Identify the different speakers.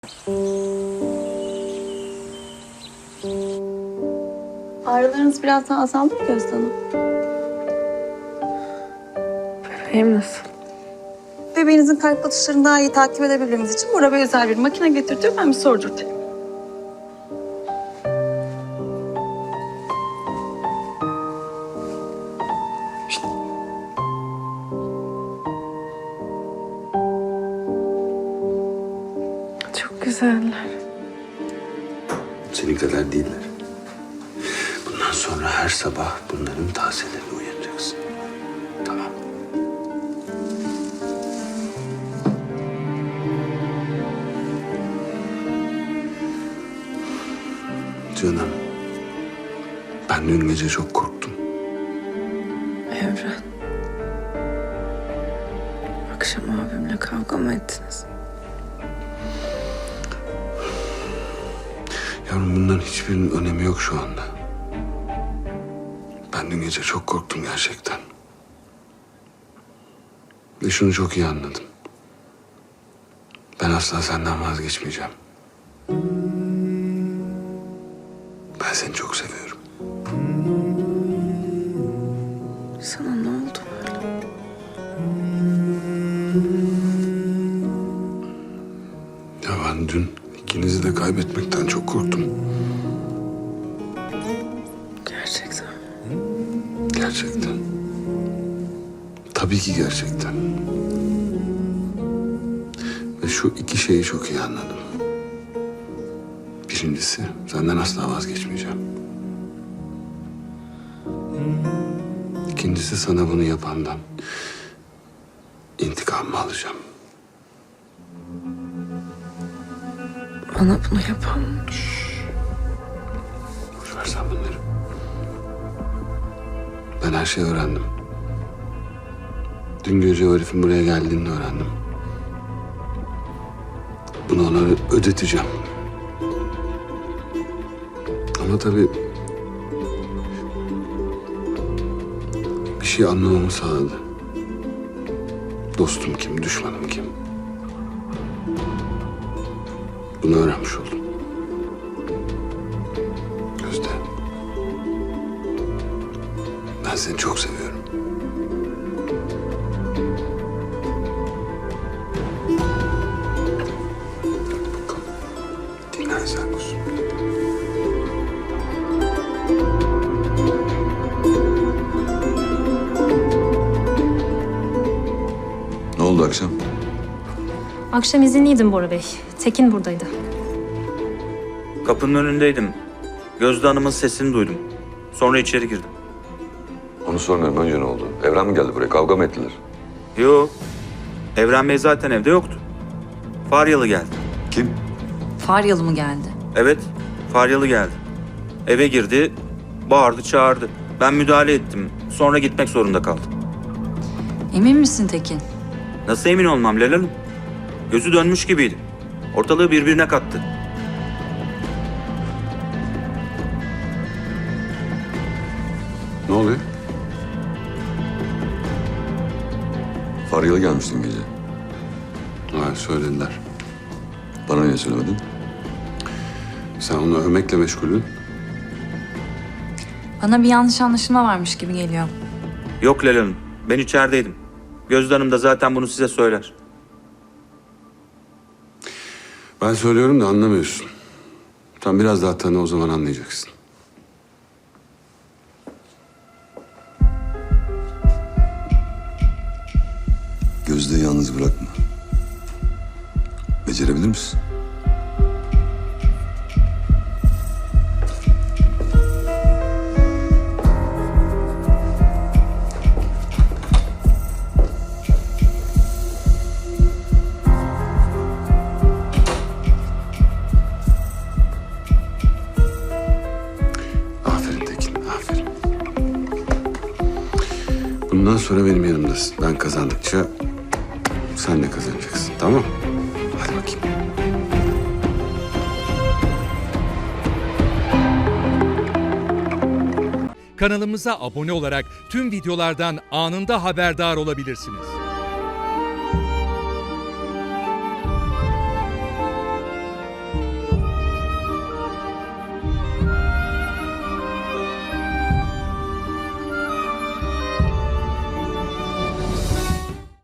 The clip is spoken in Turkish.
Speaker 1: Ağrılarınız biraz daha azaldı mı Gözde Hanım?
Speaker 2: Bebeğim nasıl?
Speaker 1: Bebeğinizin kalp atışlarını daha iyi takip edebilmemiz için Bora Bey özel bir makine getirtiyor. Ben bir sordurtayım.
Speaker 2: Çok güzeller.
Speaker 3: Senin kadar değiller. Bundan sonra her sabah bunların tazelerini uyanacaksın. Tamam. Canım. Ben dün gece çok korktum.
Speaker 2: Evren. Akşam abimle kavga mı ettiniz?
Speaker 3: Yavrum bunların hiçbirinin önemi yok şu anda. Ben dün gece çok korktum gerçekten. Ve şunu çok iyi anladım. Ben asla senden vazgeçmeyeceğim. Ben seni çok seviyorum.
Speaker 2: Sana ne oldu böyle?
Speaker 3: Ya ben dün ikinizi de kaybetmekten çok korktum.
Speaker 2: Gerçekten.
Speaker 3: Gerçekten. Tabii ki gerçekten. Ve şu iki şeyi çok iyi anladım. Birincisi, senden asla vazgeçmeyeceğim. İkincisi, sana bunu yapandan intikamımı alacağım.
Speaker 2: Bana bunu yapan
Speaker 3: Boş ver sen bunları. Ben her şeyi öğrendim. Dün gece o herifin buraya geldiğini öğrendim. Bunu ona ödeteceğim. Ama tabii bir şey anlamamı sağladı. Dostum kim, düşmanım kim? Bunu öğrenmiş oldum. Gözde. Ben seni çok seviyorum. Bakalım. Dinlen sen kuzum.
Speaker 4: Ne oldu akşam?
Speaker 5: Akşam izinliydim Bora Bey. Tekin buradaydı.
Speaker 6: Kapının önündeydim. Gözde Hanım'ın sesini duydum. Sonra içeri girdim.
Speaker 4: Onu sormuyorum. Önce ne oldu? Evren mi geldi buraya? Kavga mı ettiler?
Speaker 6: Yo, Evren Bey zaten evde yoktu. Faryalı geldi.
Speaker 4: Kim?
Speaker 7: Faryalı mı geldi?
Speaker 6: Evet, Faryalı geldi. Eve girdi, bağırdı, çağırdı. Ben müdahale ettim. Sonra gitmek zorunda kaldım.
Speaker 7: Emin misin Tekin?
Speaker 6: Nasıl emin olmam Leyla Hanım? Gözü dönmüş gibiydi. Ortalığı birbirine kattı.
Speaker 3: Ne oluyor?
Speaker 4: Faryalı gelmiştin gece.
Speaker 3: Ha, söylediler.
Speaker 4: Bana niye söylemedin?
Speaker 3: Sen onu övmekle meşgulün.
Speaker 7: Bana bir yanlış anlaşılma varmış gibi geliyor.
Speaker 6: Yok Leyla Hanım, ben içerideydim. Gözde Hanım da zaten bunu size söyler.
Speaker 3: Ben söylüyorum da anlamıyorsun. Sen biraz daha tanı, o zaman anlayacaksın.
Speaker 4: Gözde'yi yalnız bırakma. Becerebilir misin?
Speaker 3: Aferin Tekin, aferin. Bundan sonra benim yanımdasın. Ben kazandıkça sen de kazanacaksın, tamam mı? Hadi bakayım.
Speaker 8: Kanalımıza abone olarak tüm videolardan anında haberdar olabilirsiniz.